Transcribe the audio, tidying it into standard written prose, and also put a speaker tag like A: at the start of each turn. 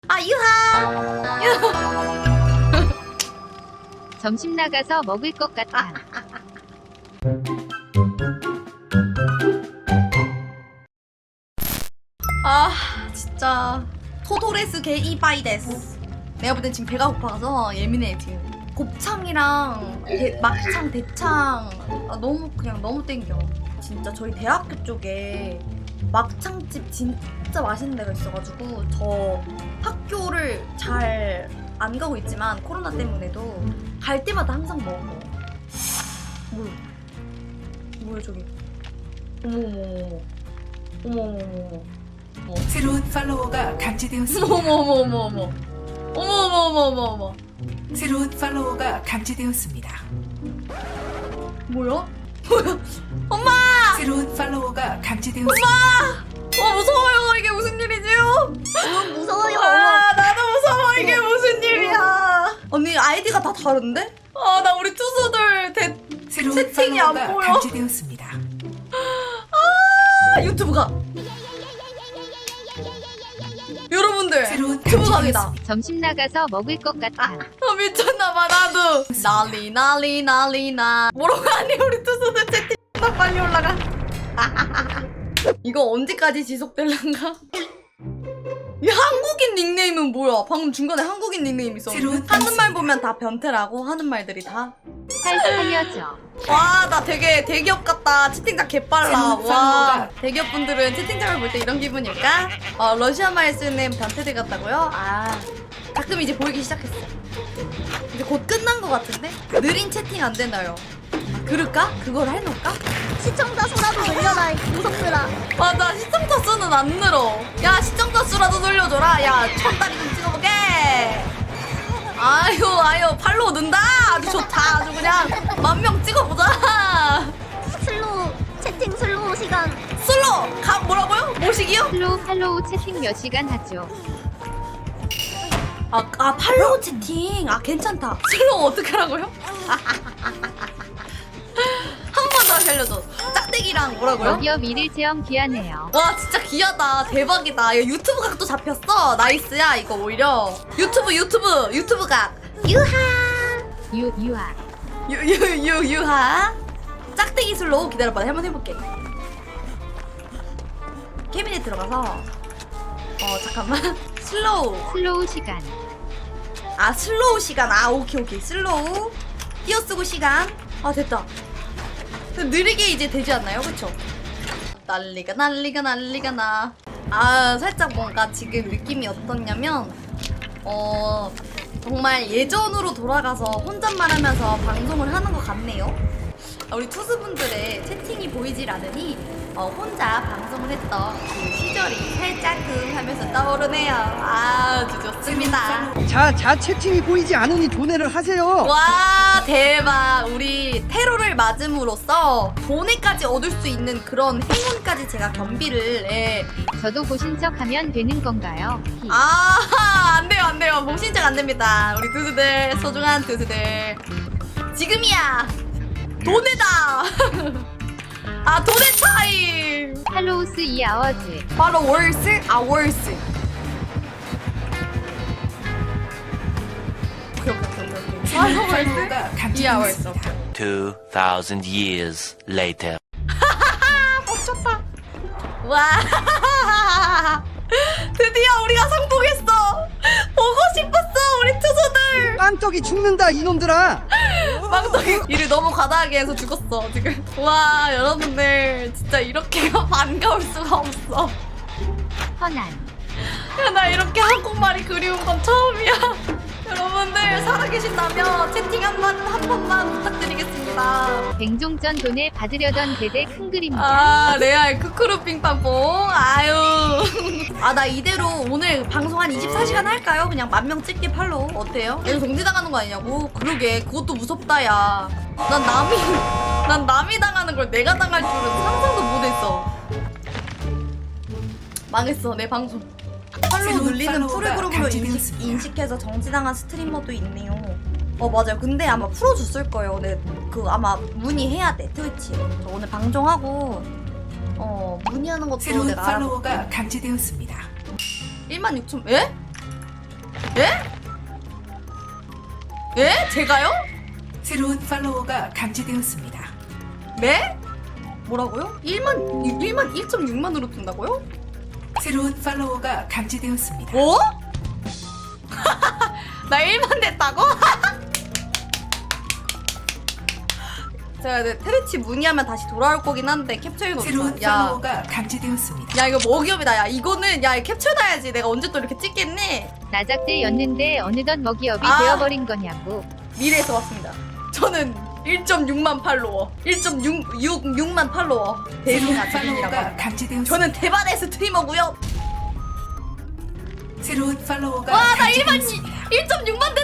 A: 아 유하.
B: 점심 나가서 먹을 것 같아.
A: 아 진짜 토도레스 게 이바이데스. 내가 볼 땐 지금 배가 고파서 예민해 지금. 곱창이랑 막창, 대창 너무 그냥 너무 땡겨. 진짜 저희 대학교 쪽에 막창집 진짜 맛있는 데가 있어가지고 저 학교를 잘 안 가고 있지만 코로나 때문에도 갈 때마다 항상 먹어. 뭐야 저기. 어머머머머.
C: 새로운 팔로워가 감지되었습니다.
A: 어머머머머.
C: 새로운 팔로워가 감지되었습니다.
A: 뭐야? 엄마!
C: 새로운 팔로워가 감지되었습니다.
A: 무서워요. 이게 무슨 일이지요?
D: 무서워요.
A: 아, 나도 무서워. 이게 무슨 일이야? 언니 아이디가 다 다른데? 아, 나 우리 투수들
C: 새로운
A: 채팅이 안
C: 팔로워가
A: 보여.
C: 감지되었습니다.
A: 유튜브가. 여러분들
C: 새로운
A: 유튜브 강이다.
C: 감지되었습니다.
B: 점심 나가서 먹을 것 같아.
A: 미쳤나봐 나도. 난리. 뭐라고 하니 우리 투수들 채팅 다 빨리 올라가. 이거 언제까지 지속될란가? 이 한국인 닉네임은 뭐야? 방금 중간에 한국인 닉네임 있었는데 하는 말 보면 다 변태라고 하는 말들이 다.
B: 살려줘.
A: 와, 나 되게 대기업 같다. 채팅창 개빨라.
C: 새로운
A: 와,
C: 팔로워가.
A: 대기업 분들은 채팅창을 볼 때 이런 기분일까? 러시아 말 쓰는 변태들 같다고요? 아, 가끔 이제 보이기 시작했어. 이제 곧 끝난 것 같은데? 느린 채팅 안 되나요? 그럴까? 그걸 해놓을까?
D: 시청자 수라도 늘려라. 무섭더라.
A: 맞아, 시청자 수는 안 늘어. 야, 시청자 수라도 늘려줘라. 야, 천다리 좀 찍어보게. 아유, 팔로우 는다. 아주 좋다. 아주 그냥 10,000명 찍어보자.
D: 슬로우 채팅 슬로우 시간.
A: 슬로 뭐라고요? 모시기요?
B: 팔로우 채팅 몇 시간 하죠?
A: 팔로우 채팅. 괜찮다. 슬로우 어떻게 하라고요? 한 번 더 알려줘. 짝대기랑 뭐라고요?
B: 여기어 미를 체험 귀하네요.
A: 와, 진짜 귀하다. 대박이다. 야, 유튜브 각도 잡혔어. 나이스야, 이거 오히려. 유튜브 각.
B: 유아.
A: 유하. 짝대기 슬로우 기다려봐. 한번 해볼게. 캐비넷 들어가서. 잠깐만.
B: 슬로우 시간.
A: 슬로우 시간. 오케이. 슬로우. 띄어쓰고 시간. 됐다. 느리게 이제 되지 않나요? 그쵸? 난리가 나. 살짝 뭔가 지금 느낌이 어떻냐면, 정말 예전으로 돌아가서 혼잣말하면서 방송을 하는 것 같네요. 우리 투수분들의 채팅이 보이질 않으니 혼자 방송을 했던 그 시절이 살짝금 하면서 떠오르네요. 아주 좋습니다.
E: 자 채팅이 보이지 않으니 도내를 하세요.
A: 와, 대박. 우리 테러를 맞음으로써 돈에까지 얻을 수 있는 그런 행운까지 제가 겸비를.
B: 저도 고신척하면 되는 건가요?
A: 안 돼요. 목신청 안 됩니다. 우리 투수들, 소중한 투수들. 지금이야. 돈에다. 돈의 타임.
B: 팔로우스 2아워즈.
A: 바로 월스. 월스. 오케이.
C: 새로운 팔로워가
A: 이야,
C: 감지되었습니다.
F: 2,000 years later.
A: 멈췄다. 와. 드디어 우리가 성공했어. 보고 싶었어, 우리 투수들.
E: 깜짝이 죽는다 이놈들아.
A: 빵떡이 일을 너무 과다하게 해서 죽었어 지금. 와, 여러분들 진짜 이렇게가 반가울 수가 없어.
B: 허난.
A: 야, 나 이렇게 한국말이 그리운 건 처음이야. 여러분들 살아계신다면 채팅 한 번만 부탁드리겠습니다.
B: 뱅종전 돈을 받으려던 대대 큰 그림이다.
A: 레알 크크루 빙빵뽕. 아유. 나 이대로 오늘 방송 한 24시간 할까요? 그냥 10,000명 찍기 팔로. 어때요? 이거 정지당하는 거 아니냐고? 그러게, 그것도 무섭다, 야. 난 남이 당하는 걸 내가 당할 줄은 상상도 못했어. 망했어, 내 방송. 팔로우
C: 새로운
A: 눌리는
C: 팔로워가
A: 프로그램으로
C: 감지되었습니다.
A: 인식해서 정지당한 스트리머도 있네요. 맞아요. 근데 아마 풀어줬을 거예요. 근데 아마 문의해야 돼, 트위치에. 저 오늘 방송하고 문의하는 것도
C: 새로운
A: 내가
C: 팔로워가
A: 알아볼게.
C: 감지되었습니다.
A: 16,000. 에? 예? 예? 제가요?
C: 새로운 팔로워가 감지되었습니다.
A: 네? 뭐라고요? 1.6만으로 뜬다고요?
C: 새로운 팔로워가 감지되었습니다.
A: 뭐? 나 1만 됐다고? 제가 테레치 문의하면 다시 돌아올 거긴 한데 캡처해놓자.
C: 새로운
A: 야,
C: 팔로워가 감지되었습니다.
A: 야 이거 먹이업이다. 야 이거는 야 캡처해놔야지. 내가 언제 또 이렇게 찍겠니?
B: 나작제였는데 어느덧 먹이업이
A: 아.
B: 되어버린 거냐고.
A: 미래에서 왔습니다. 저는 1.6만 팔로워, 1.6만 팔로워.
C: 새로운
A: 대신아 드림이라고
C: 팔로워가
A: 합니다.
C: 감지되었습니다.
A: 저는 대만의 스트리머고요.
C: 새로운 팔로워가
A: 와, 나
C: 감지되었습니다.
A: 1.6만